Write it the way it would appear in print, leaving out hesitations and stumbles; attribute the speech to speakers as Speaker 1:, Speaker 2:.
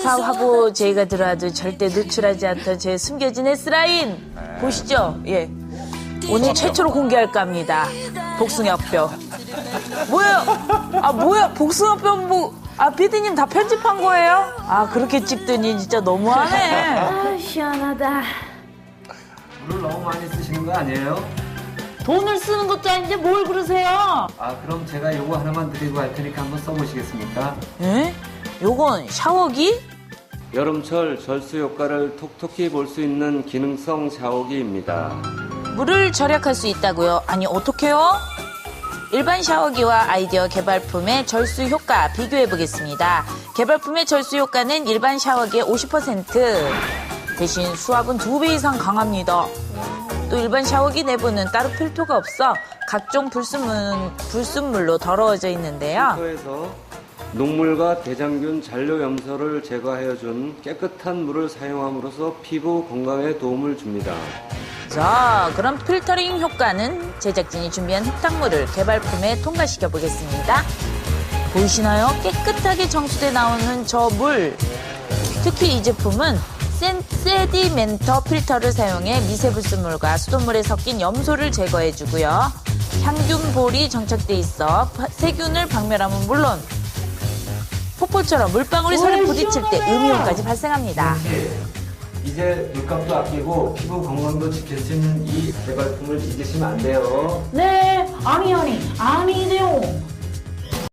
Speaker 1: 사업하고 저희가 들어와도 절대 노출하지 않던 제 숨겨진 S라인 보시죠. 예, 오늘 최초로 공개할까 합니다. 복숭아뼈. 뭐야? 아 뭐야? 복숭아뼈 뭐? 아 피디님 다 편집한 거예요? 아 그렇게 찍더니 진짜 너무하네.
Speaker 2: 아, 시원하다.
Speaker 3: 물을 너무 많이 쓰시는 거 아니에요?
Speaker 1: 돈을 쓰는 것도 아닌데 뭘 그러세요?
Speaker 3: 아, 그럼 제가 요거 하나만 드리고 할 테니까 한번 써보시겠습니까?
Speaker 1: 에? 요건 샤워기?
Speaker 4: 여름철 절수 효과를 톡톡히 볼 수 있는 기능성 샤워기입니다.
Speaker 1: 물을 절약할 수 있다고요? 아니 어떡해요? 일반 샤워기와 아이디어 개발품의 절수 효과 비교해 보겠습니다. 개발품의 절수 효과는 일반 샤워기의 50%, 대신 수압은 2배 이상 강합니다. 또 일반 샤워기 내부는 따로 필터가 없어 각종 불순물로 더러워져 있는데요.
Speaker 4: 필터에서 녹물과 대장균, 잔류 염소를 제거하여준 깨끗한 물을 사용함으로써 피부 건강에 도움을 줍니다.
Speaker 1: 자, 그럼 필터링 효과는 제작진이 준비한 흙탕물을 개발품에 통과시켜 보겠습니다. 보이시나요? 깨끗하게 정수돼 나오는 저 물. 특히 이 제품은 세디멘터 필터를 사용해 미세불순물과 수돗물에 섞인 염소를 제거해주고요. 향균볼이 정착돼 있어 세균을 박멸하면 물론 폭포처럼 물방울이 손에 부딪힐 때 음이온까지 발생합니다.
Speaker 3: 이제 물값도 아끼고 피부 건강도 지킬 수 있는 이 개발품을 잊으시면 안 돼요.
Speaker 2: 네, 아니, 아니돼요.